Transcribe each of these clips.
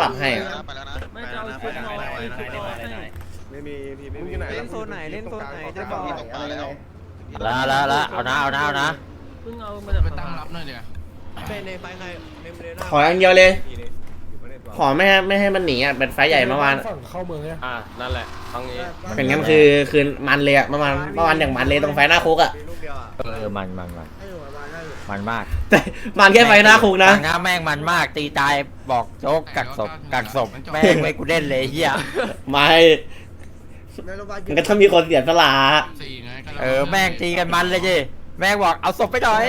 ปรับให้อะไปแล้วนะไม่จะเอาชุดนอนชุดนอนให้ไม่มีทีไม่มีไหนเล่นโซนไหนเล่นโซนไหนจะบอกตกปลาแล้วละเอานะเพิ่งเอามาจากไปตั้งรับหน่อยเดี๋ยวเป็นในไฟใครเมมเบรน่าขออย่างเดียวเลย ขอไม่ให้มันหนีอ่ะเป็นไฟใหญ่เมื่อวานเข้าเมืองเนี่ยนั่นแหละครั้งนี้เป็นงั้นคือมันเลยอ่ะเมื่อวานอย่างมันเลยตรงไฟหน้าคุกอ่ะลูกเดียวอ่ะมันมากแต่มันแค่ไฟหน้าคุกนะหน้าแม่งมันมากตีตายบอกโจ๊กกักศพแม่งไม่กูเล่นเลยเฮียไม่มันก็ต้องมีคนเสียสละสี่ไงแม่งตีกันมันเลยจีแม่งบอกเอาศพไปหน่อย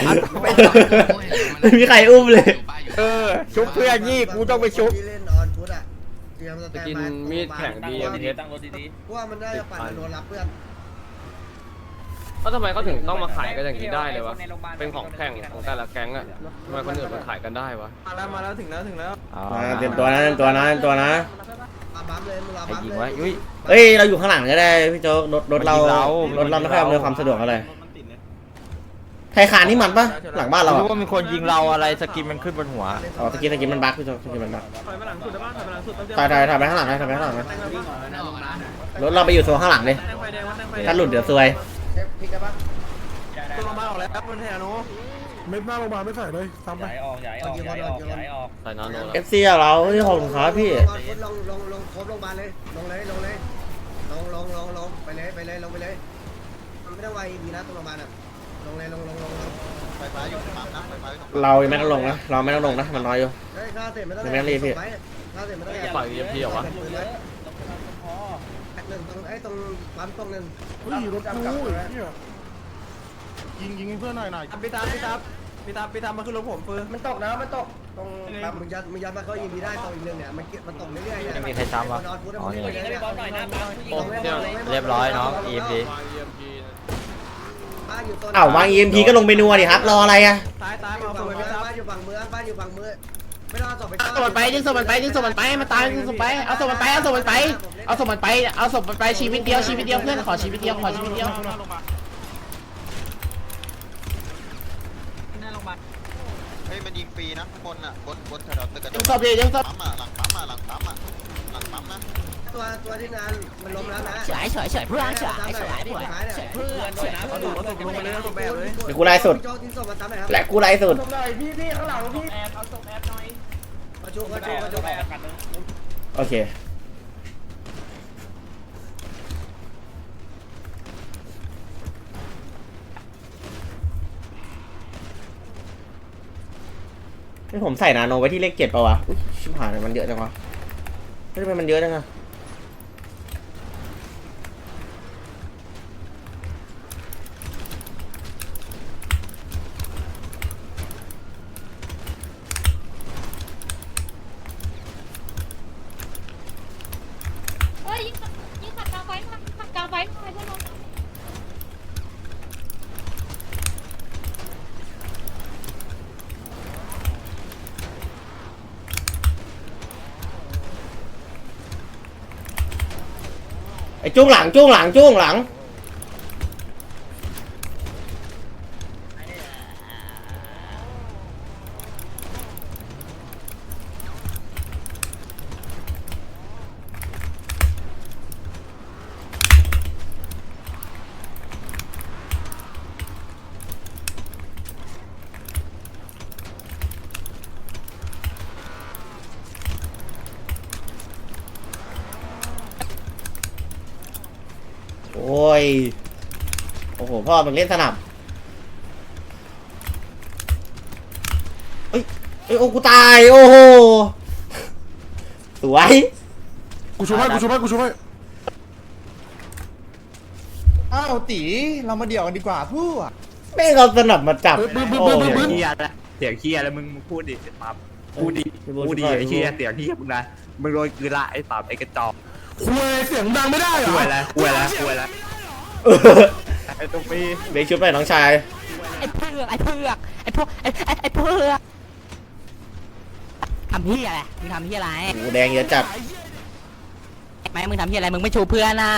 ไม่มีใครอุ้มเลยชุบเพื่อนยี่กูต้องไปชุบที่เล่นออนพุทอ่ะเตรียมสแตนบายมีดแข่งดีเอ็มเอสตั้งรถดีเพราะว่ามันน่าจะปั่นโดนรับเพื่อนแล้วทำไมเขาถึงต้องมาขายกันอย่างนี้ได้เลยวะเป็นของแข่งของแต่ละแก๊งอะทำไมคนอื่นมาขายกันได้วะมาแล้วถึงแล้วเตรียมตัวนะมาบัมเลยมึงมาบัมยิงเลวะยยุ้ยเอ้ยเราอยู่ข้างหลังก็ได้พี่โจ๊กรถเราไม่ค่อยอำนวยความสะดวกอะไรไทยคานนี่มันปะหลังบ้านเรารู้ว่ามีคนยิงเราอะไรสกินมันขึ้นบนหัวอ๋อตะกี้มันบั๊กพี่โจ๊กตะกี้มันบั๊กถอยมาหลังสุดได้ป่ะถอยมาหลังสุดถ่ายไปข้างหลังนะถ่ายไปข้างหลังนะรถเราไปอยู่โซนข้างหลังเลยแดงไฟแดงวัดแดงไฟถ้าหลุดเดี๋ยวซวยพลิกกันปะตัวมาออกแล้วบนแถวนู้นไม่หน้าลงมาไม่ใส่เลยซ้ำไปใส่นาโนเอฟซีเราที่ของขาพี่ลงครบลงมาเลยลงไปเลยลงไปเลยมันไม่ต้องไวดีนะตรงโรงพยาบาลอ่ะลงเลยลงไฟฟ้าอยู่ปั๊มนะไฟฟ้าอยู่เราไม่ต้องลงนะเราไม่ต้องลงนะมันน้อยอยู่เฮ้ยค่าเสร็จไม่ต้องไม่ต้องรีบพี่ค่าเสร็จไม่ต้องปล่อยเอ็มพีเหรอวะหนึ่งตรงไอ้ตรงปั๊มตรงนึงเฮ้ยรถกูเนี่ยยิงเพื่อนหน่อยพี่ตามมาขึ้นรถผมเฟิร์นมันตกนะมันตกตรงปั๊มมึงยัดมาเขายิงดีได้ตรงอีกนึงเนี่ยมันตกเรื่อยๆไม่มีใครซ้ำวะอ๋อนี่เรียบร้อยน้อง EMD อ้าววาง EMP ก็ลงไปนัวดิครับรออะไรอะตายมาเอาตัวไปบ้านอยู่ฝั่งเมืองไม่ต้องเอาศพไปส่งมันไปยิงส่งมันไปมันตายยิงส่งไปเอาส่งมันไปชีวิตเดียวเพื่อนขอชีวิตเดียวเฮ้ยมันยิงฟรีนะข้างบนอ่ะบนแถวตึกกันยิงศพเลยยิงศพปั๊มอ่ะหลังปั๊มหลังปั๊มนะตัวที่งานมันล้มแล้วนะเฉยเพื่อนเฉยเพื่อนเอาดูว่าตกลงไปเลยตกแบบเลยเดี๋ยวกูไล่สุดโจ๊กทิ้งศพมาซ้ำหน่อยครับแหละกูไล่สุดพี่ข้างหลังพี่แอบเอาส่งแอบหน่อยมาชุบโอเคนี่ผมใส่นาโนไว้ที่เลข7ป่าวะอุ๊ยชิบหายเลยมันเยอะจังวะเฮ้ยทำไมมันเยอะจังอะยิงขัดกลางไฟหน่อยเพื่อนน้องไอ้จุ้งหลังโอ้ยโอ้โหพ่อมึงเล่นสนับเอ้ยโอ้กูตายโอ้โหสวยกูช่วยให้อ้าวตีเรามาเดี่ยวกันดีกว่าพูดแม่งเอาสนับมาจับโอ้ยเฮียแล้วเสียงเฮียแล้วมึงพูดดิปั๊บพูดดิไอ้เฮียเสียงเฮียมึงนะมึงโดนกือละไอ้ปั๊บไอ้กระจอกคุยเสียงดังไม่ได้เหรอคุยแล้วไอ้ตุ๊กปีเบรกชุดไปน้องชายไอ้เพือกทำเฮียอะไรมึงทำเฮียอะไรหูแดงเยอะจัดไม่มึงทำเฮียอะไรมึงไม่ชูเพื่อนน่ะ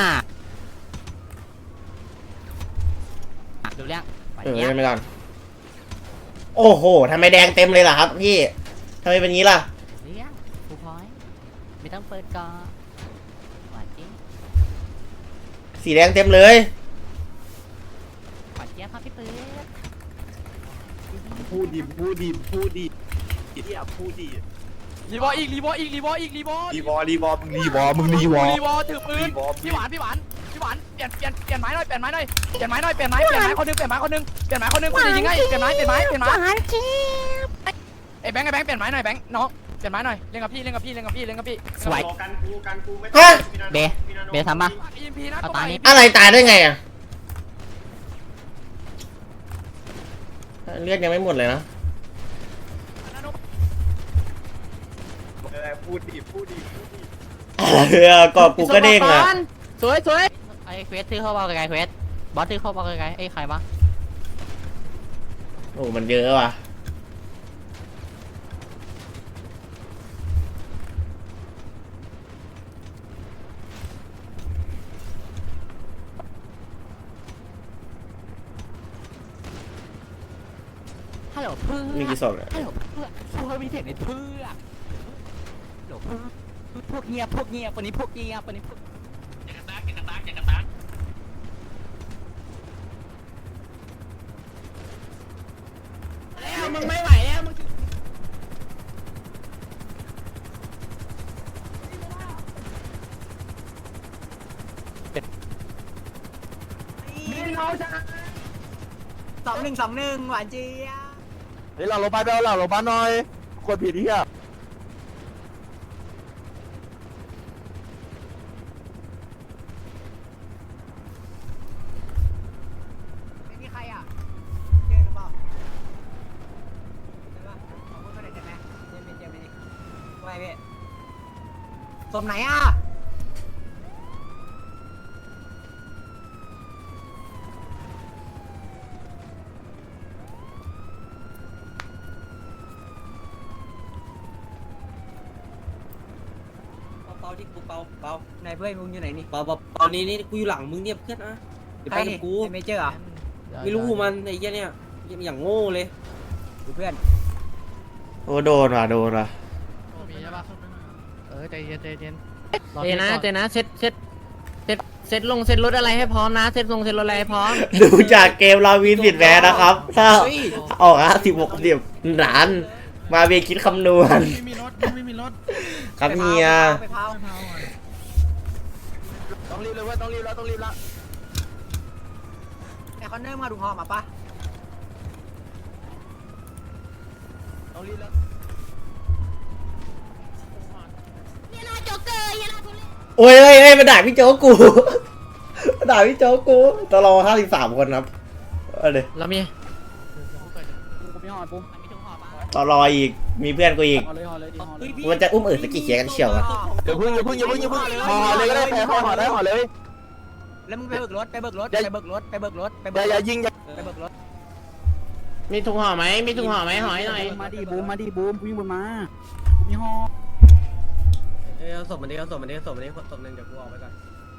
ดูเรื่องไม่ทันโอ้โหทำไมแดงเต็มเลยล่ะครับพี่ทำไมเป็นงี้ล่ะเรื่องกูพอยไม่ต้องเปิดก่อนหวานจริงสีแดงเต็มเลยหวานเจี๊ยบครับพี่ปื๊ดพูดดิพูดดิพูดดิเฮียพูดดิรีบออีกรีบออีกรีบออีกรีบอรีวอรีวอมึงรีวอมึงรีวอรีบอถือปืนพี่หวานเปลี่ยนไม้หน่อยเปลี่ยนไม้คนนึงคนจะยิงให้เปลี่ยนไม้หวานเจี๊ยบไอ้แบงค์เปลี่ยนไม้หน่อยแบงค์น้องเปลี่ยนไม้หน่อยเล่นกับพี่สวยฮะเบทำปะ EMP นะเอาตานี้อะไรตายได้ไงอ่ะเลือดยังไม่หมดเลยนะพูดดิพูดดิกอบกูก็เด้งอ่ะสวยไอ้เควสซื้อเข้าบอลไกลเควสบอสซื้อเข้าบอลไกลไอ้ใครวะโอ้มันเยอะว่ะฮัลโหลเพื่อนมีกี่ศพเนี่ยฮัลโหลเพื่อนพวกมีเสียงในเพื่อนฮัลโหลเพื่อนพวกเงียบวันนี้พวกเงียบวันนี้พวกมึงไม่ไหวแล้วมึง2-1 หวานเจี๊ยบเฮ้ยเราลงไปเอาเราลงมาหน่อยกดผิดที่อ่ะไม่มีใครอ่ะเจอหรือเปล่าเจอปะขอพูดมาหน่อยได้ไหมเจอไม่ดิว่าไงพี่สมไหนอ่ะเปาที่กูเปาไหนเพื่อนมึงอยู่ไหนนี่เปานี้นี่กูอยู่หลังมึงเนี่ยเพื่อนนะไปกับกูไม่เจออ่ะไม่รู้มันไอ้เหี้ยเนี่ยอย่างโง่เลยดูเพื่อนโอ้โดนว่ะมีใช่ปะใจเย็นเจนะเซ็ตลงเซ็ตรถอะไรให้พร้อมนะเซ็ตลงเซ็ตรถอะไรให้พร้อมดูจากเกมเราวินผิดแพ้นะครับ ถ้าออก56 ล้านมาเบียคิดคำนวณไม่มีรถครับเฮียต้องรีบเลยเว้ยต้องรีบแล้วแต่เขาเนิ่มมาดูหอมาปะต้องรีบแล้วเฮียนาโจ๊กเกอร์เฮียนาทุเรศโอ้ยมาด่าพี่โจ๊กกู มาด่าพี่โจ๊กกูตลอ53 คนครับเอาเลยเรามีตลออีกมีเพื่อนกูอีกมันจะอุ้มสกี่เขียกันเฉียวอะอย่าพึ่งห่อเลยก็ได้แพ้ห่อได้ห่อเลยแล้วมึงไปเบิกรถอย่ายิงอย่าไปเบิกรถมีถุงห่อไหมห่อให้หน่อยมาดิบูมวิ่งบนมามีห่อเอาศพมันดิศพหนึ่งเดี๋ยวกูออกไปก่อน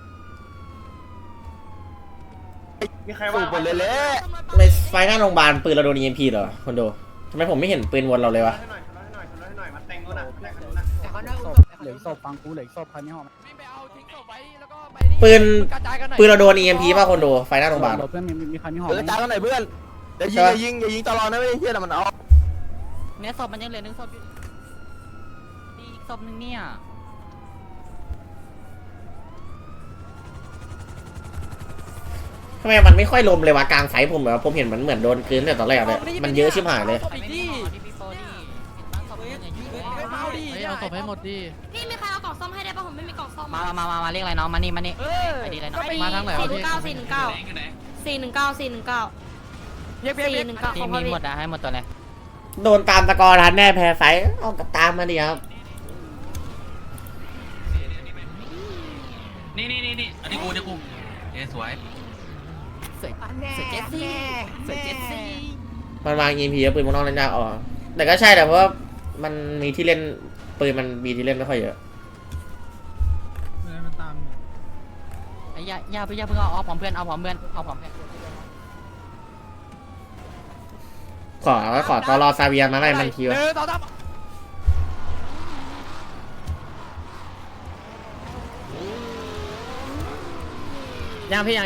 มีใครว่าหมดเลยแหละในไฟหน้าโรงพยาบาลปืนเราโดน EMP เหรอคนดูทำไมผมไม่เห็นปืนวนเราเลยวะแต่เขาเนิ่มเหลือศพฟังกูเหลือศพพันนี่ห่อวิ่งไปเอาทิ้งศพไว้แล้วก็ไปปืนกระจายกันหน่อยปืนเราโดน EMP ป่ะคนดูไฟหน้าโรงพยาบาลเพื่อนมีคันนี่ห่อเออจ้ากันหน่อยเพื่อนอย่ายิงตลอดนะไม่ได้เฮียแต่มันเอาเนี่ยศพมันยังเหลือ1 ศพอยู่นี่อีกศพนึงเนี่ยทำไมมันไม่ค่อยลมเลยวะกลางไฟผมแบบผมเห็นมันเหมือนโดนคืนแต่ตอนแรกเลยมันเยอะชิบหายเลยศพอีกดิที่พี่โปนี่เห็นบ้างศพมันยังอยู่เลยเอาดิเอาศพให้หมดดิพี่มีใครเอากล่องซ่อมให้ได้ป่ะผมไม่มีกล่องซ่อมมาเรียกอะไรน้องมานี่เออไปดีเลยน้องมาทางไหนวะพี่ 419 เพียกที่มีหมดอะให้หมดตัวเลยโดนตามตะกอทันแน่แพ้ไฟเอากับตามมาดิครับนี่อันนี้กูสวยสวยเจสซี่มันวาง EMP แล้วปืนมันนอกเล่นยากอ๋อแต่ก็ใช่แต่เพราะว่ามันมีที่เล่นปืนมันมีที่เล่นไม่ค่อยเยอะมันตามอย่าเพิ่งเอาพร้อมเพื่อนขอตอรอซาเวียมาไล่มันทีวะต่อยังพี่ยัง